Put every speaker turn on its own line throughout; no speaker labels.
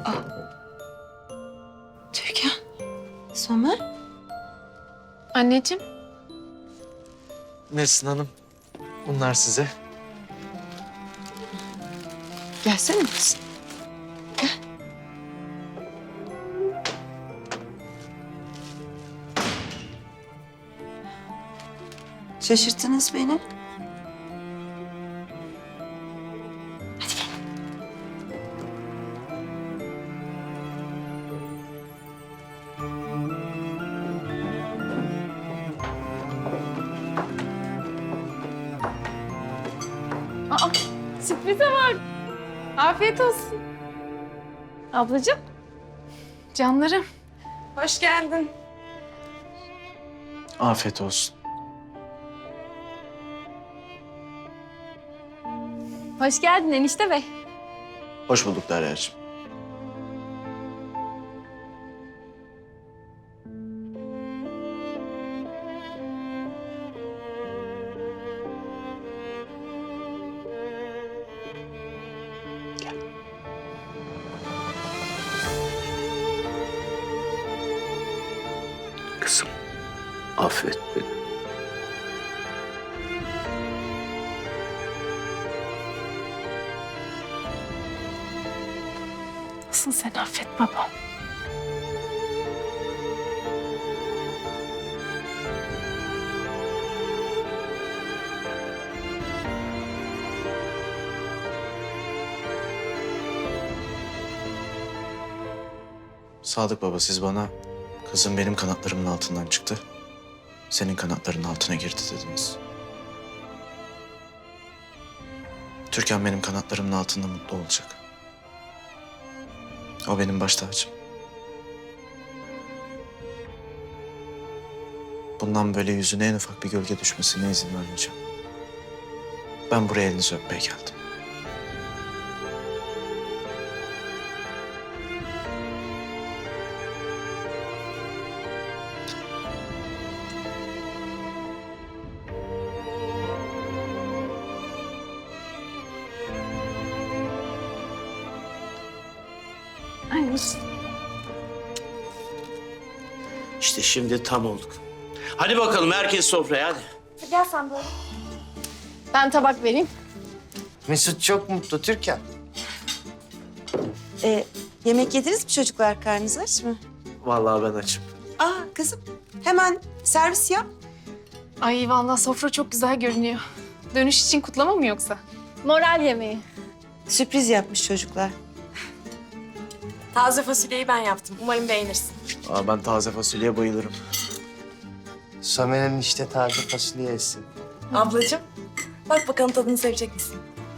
Türkan. Somer.
Anneciğim.
Nesrin Hanım, bunlar size.
Gelsene kızım. Gel. Şaşırttınız beni. Hadi gel.
Aa, sürprize var. Afiyet olsun. Ablacığım. Canlarım. Hoş geldin.
Afiyet olsun.
Hoş geldin enişte bey.
Hoş bulduk Derya'cığım.
Kızım, affet beni.
Nasıl sen affet babam?
Sadık baba, siz bana kızım benim kanatlarımın altından çıktı, senin kanatlarının altına girdi dediniz. Türkan benim kanatlarımın altında mutlu olacak. O benim baş tacım. Bundan böyle yüzüne en ufak bir gölge düşmesine izin vermeyeceğim. Ben buraya elinizi öpmeye geldim.
Anneciğim.
İşte şimdi tam olduk. Hadi bakalım herkes sofraya hadi.
Gel sen böyle. Ben tabak vereyim.
Mesut çok mutlu Türkan.
Yemek yediniz mi çocuklar? Karnınız aç mı?
Vallahi ben açım.
Kızım hemen servis yap.
Ay vallahi sofra çok güzel görünüyor. Dönüş için kutlama mı yoksa? Moral yemeği.
Sürpriz yapmış çocuklar.
Taze fasulyeyi ben yaptım. Umarım beğenirsin.
Ben taze fasulyeye bayılırım.
Somer'in işte taze fasulye yesin.
Ablacığım, bak bakalım tadını sevecek misin?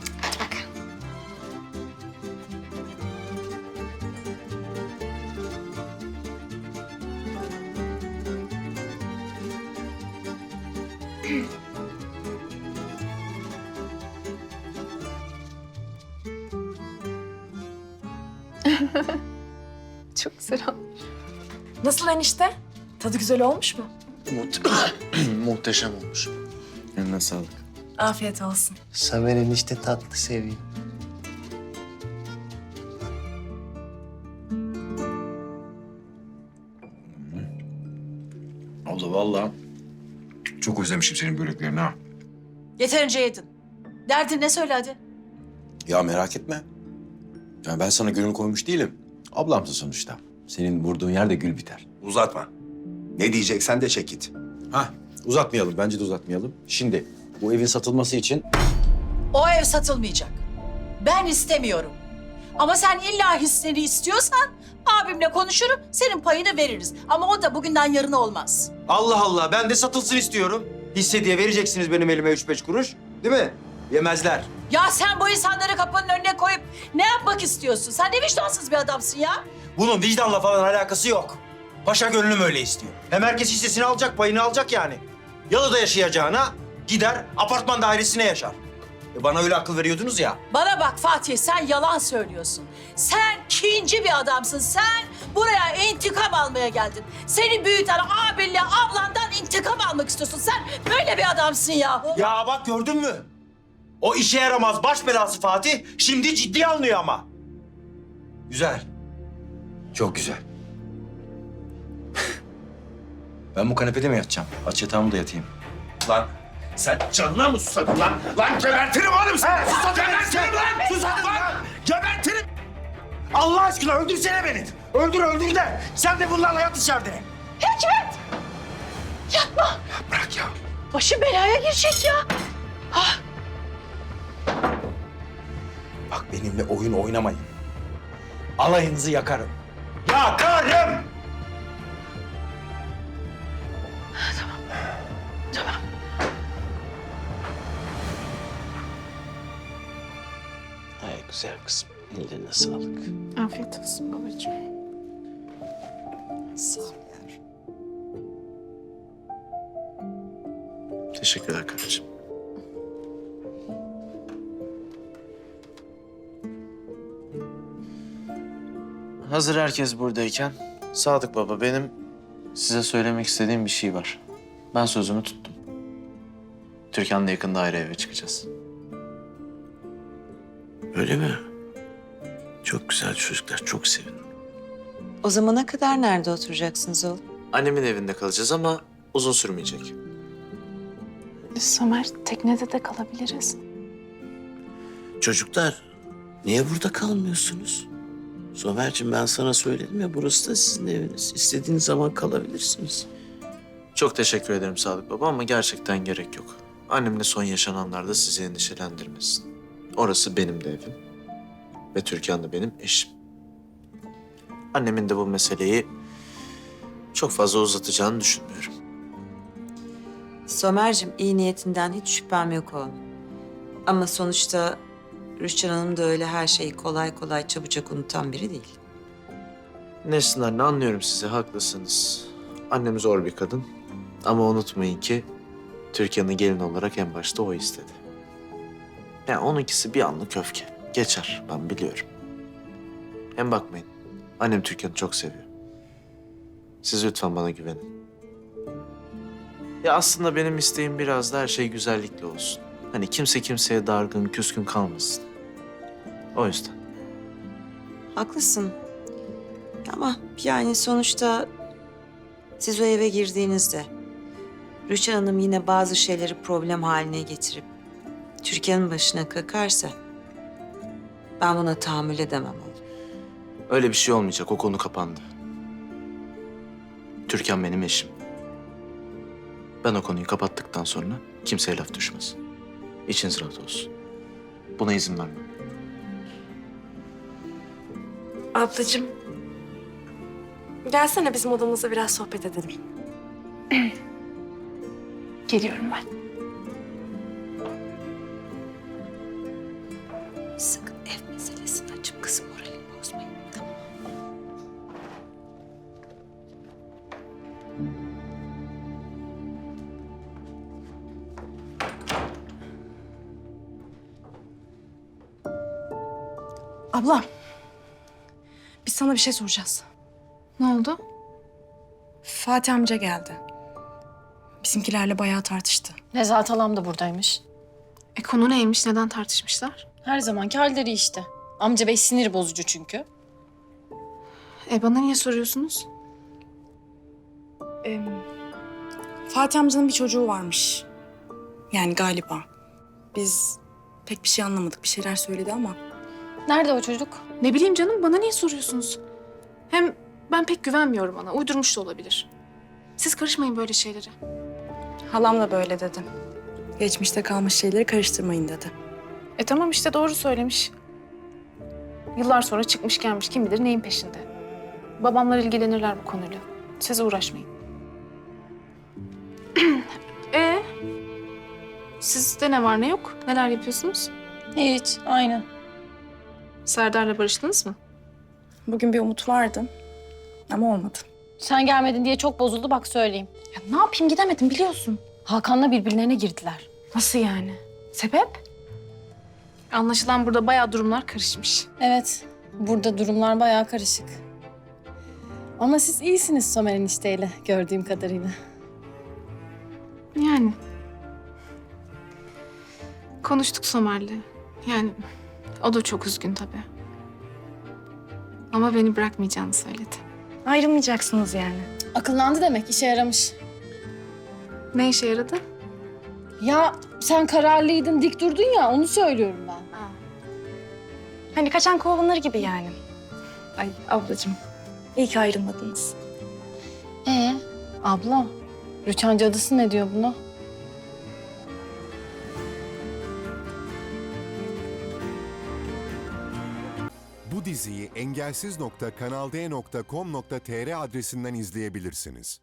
Çok güzel olmuş.
Nasıl enişte? Tadı güzel olmuş mu?
Muhteşem olmuş. Eline sağlık.
Afiyet olsun.
Somer'in işte tatlı seviyor.
Abla vallahi çok özlemişim senin böreklerini ha.
Yeterince yedin. Derdin ne söyle hadi.
Ya merak etme. Ya ben sana gönül koymuş değilim. Ablamsın sonuçta. Senin vurduğun yerde gül biter.
Uzatma. Ne diyeceksen de çek git.
Ha, uzatmayalım. Bence de uzatmayalım. Şimdi bu evin satılması için
O ev satılmayacak. Ben istemiyorum. Ama sen illa hisseni istiyorsan abimle konuşurum, senin payını veririz. Ama o da bugünden yarına olmaz.
Allah Allah, ben de satılsın istiyorum. Hisse diye vereceksiniz benim elime 3-5 kuruş. Değil mi? Yemezler.
Ya sen bu insanları kapının önüne koyup ne yapmak istiyorsun? Sen ne vicdansız bir adamsın ya.
Bunun vicdanla falan alakası yok. Paşa gönlüm öyle istiyor. Hem herkes hissesini alacak, payını alacak yani. Yalıda yaşayacağına gider apartman dairesine yaşar. Bana öyle akıl veriyordunuz ya.
Bana bak Fatih, sen yalan söylüyorsun. Sen kinci bir adamsın. Sen buraya intikam almaya geldin. Seni büyüten abinle ablandan intikam almak istiyorsun. Sen böyle bir adamsın ya.
Ya bak gördün mü? O işe yaramaz baş belası Fatih şimdi ciddiye alınıyor ama. Güzel. Çok güzel. Ben bu kanepede mi yatacağım? Aç yatağımı da yatayım.
Lan sen canına mı susadın lan? Lan gebertirim oğlum seni! Gebertirim lan! Susadın lan! Gebertirim!
Allah aşkına öldürsene beni. Öldür de. Sen de bunlarla yat içeride.
Bırak ya. Başı belaya girecek ya.
Bak benimle oyun oynamayın. Alayınızı yakarım. Yakarım!
Ay güzel kızım. Ellerine sağlık.
Afiyet olsun babacığım.
Teşekkürler kardeşim. Hazır herkes buradayken Sadık Baba, benim size söylemek istediğim bir şey var. Ben sözümü tuttum. Türkan'la yakında ayrı eve çıkacağız.
Öyle mi? Çok güzel çocuklar. Çok sevindim.
O zamana kadar nerede oturacaksınız oğlum?
Annemin evinde kalacağız ama uzun sürmeyecek.
Somer, teknede de kalabiliriz.
Çocuklar niye burada kalmıyorsunuz? Somerciğim ben sana söyledim ya burası da sizin eviniz. İstediğiniz zaman kalabilirsiniz.
Çok teşekkür ederim Sadık Baba ama gerçekten gerek yok. Annemle son yaşananlarda sizi endişelendirmesin. Orası benim de evim. Ve Türkan da benim eşim. Annemin de bu meseleyi çok fazla uzatacağını düşünmüyorum.
Somer'cim iyi niyetinden hiç şüphem yok oğlum. Ama sonuçta Rüçhan Hanım da öyle her şeyi kolay kolay çabucak unutan biri değil.
Nesrin anne, anlıyorum sizi, haklısınız. Annem zor bir kadın. Ama unutmayın ki Türkan'ı gelin olarak en başta o istedi. Yani onunkisi bir anlık öfke. Geçer, ben biliyorum. Hem bakmayın, annem Türkan'ı çok seviyor. Siz lütfen bana güvenin. Ya aslında benim isteğim biraz da her şey güzellikle olsun. Hani kimse kimseye dargın, küskün kalmasın. O yüzden.
Haklısın. Ama yani sonuçta siz o eve girdiğinizde Rüçhan Hanım yine bazı şeyleri problem haline getirip Türkan'ın başına kakarsa ben buna tahammül edemem oğlum.
Öyle bir şey olmayacak, o konu kapandı. Türkan benim eşim. Ben o konuyu kapattıktan sonra kimseye laf düşmez. İçiniz rahat olsun. Buna izin vermem.
Ablacığım, gelsene bizim odamızda biraz sohbet edelim.
Geliyorum ben.
Sakın ev meselesini açıp kızım moralini bozmayın. Tamam mı?
Abla, biz sana bir şey soracağız.
Ne oldu?
Fatih amca geldi. Bizimkilerle bayağı tartıştı.
Nezahat halam da buradaymış.
Konu neymiş? Neden tartışmışlar?
Her zamanki halleri işte. Amca bey sinir bozucu çünkü.
Bana niye soruyorsunuz?
Fatih amcanın bir çocuğu varmış. Yani galiba. Biz pek bir şey anlamadık. Bir şeyler söyledi ama.
Nerede o çocuk?
Ne bileyim canım, bana niye soruyorsunuz? Hem ben pek güvenmiyorum ona. Uydurmuş da olabilir. Siz karışmayın böyle şeylere.
Halam da böyle dedi. Geçmişte kalmış şeyleri karıştırmayın dedi.
Tamam işte, doğru söylemiş. Yıllar sonra çıkmış gelmiş, kim bilir neyin peşinde. Babamlar ilgilenirler bu konuyla. Siz uğraşmayın. Sizde ne var ne yok? Neler yapıyorsunuz?
Hiç, aynı.
Serdar'la barıştınız mı?
Bugün bir umut vardı ama olmadı.
Sen gelmedin diye çok bozuldu bak söyleyeyim.
Ya ne yapayım, gidemedim biliyorsun.
Hakan'la birbirlerine girdiler.
Nasıl yani? Sebep? Anlaşılan burada bayağı durumlar karışmış.
Evet, burada durumlar bayağı karışık. Ama siz iyisiniz Somer enişteyle gördüğüm kadarıyla.
Yani. Konuştuk Somer'le. Yani o da çok üzgün tabii. Ama beni bırakmayacağını söyledi.
Ayrılmayacaksınız yani.
Akıllandı demek, işe yaramış.
Ne işe yaradı?
Ya sen kararlıydın, dik durdun ya, onu söylüyorum ben.
Hani kaçan kovanları gibi yani.
Ay ablacığım.
İyi ki ayrılmadınız.
Abla, Rüçhan cadısı ne diyor buna?
Bu diziyi engelsiz.kanalde.com.tr adresinden izleyebilirsiniz.